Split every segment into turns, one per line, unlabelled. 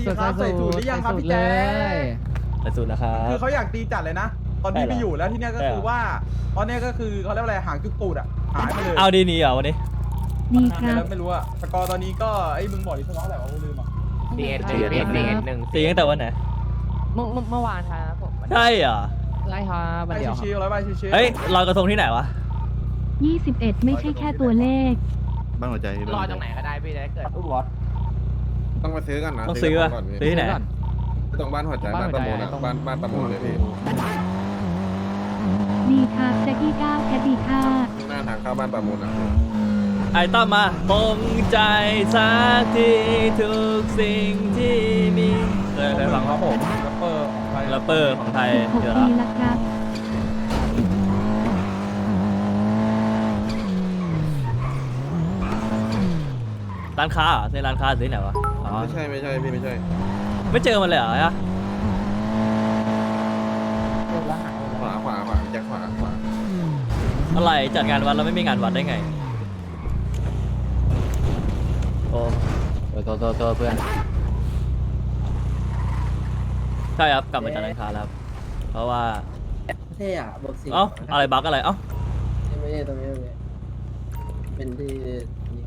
ครับใส่สูตรหรือยังครับพี่แจ๊ค
ไปสุดแล้วครับ
คือเขาอยากตีจัดเลยนะ ตอนนี้
ใช่เหรอ
ไปอยู่แล้วที่เนี้ยก็คือว่าตอนเนี้ยก็คือเขาเรียกว่าอะไรหางจุกตูดอะหายไปเลย
เอาดีนี้เหรอวันนี้
ดีค
หาย
รับ
ไปแล้วไม่รู้อะสกอร์ตอนนี้ก็ไอ้มึงบอกดิสกอร์อะไรวะกูลืมอะ
หนึ่ง
ตีตั้งแต่วันไหน
เมื่อวานครับผม
ใช่เหรอ
ไล่ครับวัน
ไอ้
เดียว
ชิวๆร้อยใบชิวๆ
เฮ้ยลอยกระทงที่ไหนวะ
21 ไม่ใช่แค่ตัวเลข
บ้านหัวใจ
รอตรงไหนก็ได้พี่จะได้เกิด
ต้องไปซื้อกันนะ
ต้องซื้อวะ
ก่อนพี่
ซื้อที่ไหน
ตรงบ้านหัวใจบ้านประมูลอะบ้านประมูลเลยพี่
ดีครับแจ็คกี้9แคดดีค่ะ
หน้าทางเข้าบ้านประมูลอะ
ไอ้ต้อมมาตรงใจสักทีทุกสิ่งที่มีเคยฟัง
ค
ค
รั
รั
บบ ผมแรปเปอร์ของไทย
แรปเปอร์ของไทยเดี๋ยว
16 ปี
ละ
ละครับ
ร้านค้าเหรอในร้านค้าหรือที่ไหนวะอ๋อ
ไม่ใช่พี่ไม่ใช่
ไม่เจอมันเลยเหรอฮะ
ขวาแจ็คขวา
อะไรจัดงานวัดแล้วไม่มีงานวัดได้ไงโอ้โตเพื่อนใช่ครับกลับมาจากร้านค้าแล้วครับเพราะว่า
เท่อะบวกสี่
เอ้าอะไรบั๊กอะไรเอ้า
ไม่ใช่ตรงนี้เป็นที่นี่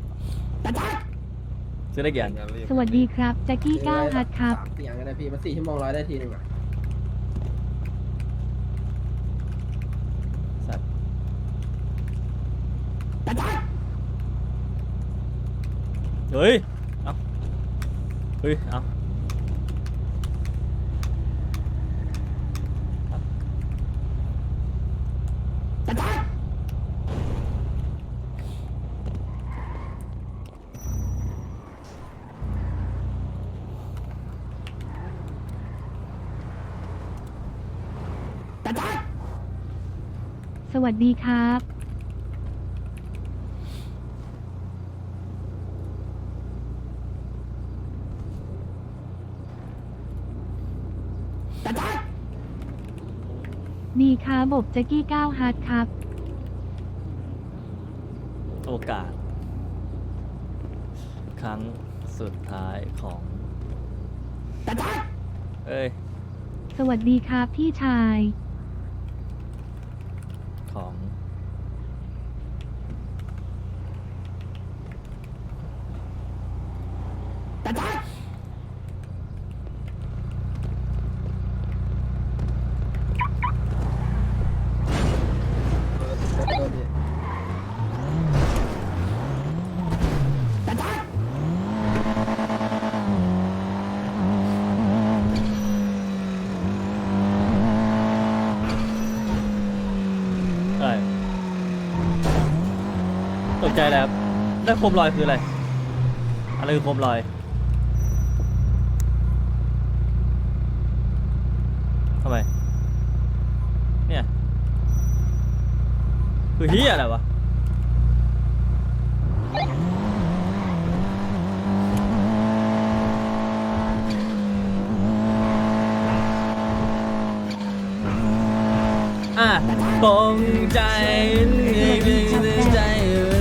ซื้อได้กี่อัน
สวัสดีครับแจ็คกี้9ฮัทครับ
3 4อย่างก็ได้พี่มัน4 ชั่วโมงร้อยได้ทีหนึ่งอะ
สัตว์เฮ้ยเอ้าเฮ้ยเอ้า
สวัสดีครับ ดีครับบบแจ็คกี้9ฮัทครับ
โอกาส ครั้งสุดท้ายของเอ้ย
สวัสดีครับพี่ชาย
ของ อะไรตกใจแล้วได้โคมลอยคืออะไร อะไรคือโคมลอยทำไม เนี่ยคือเฮียอะไรวะตรงใจใจ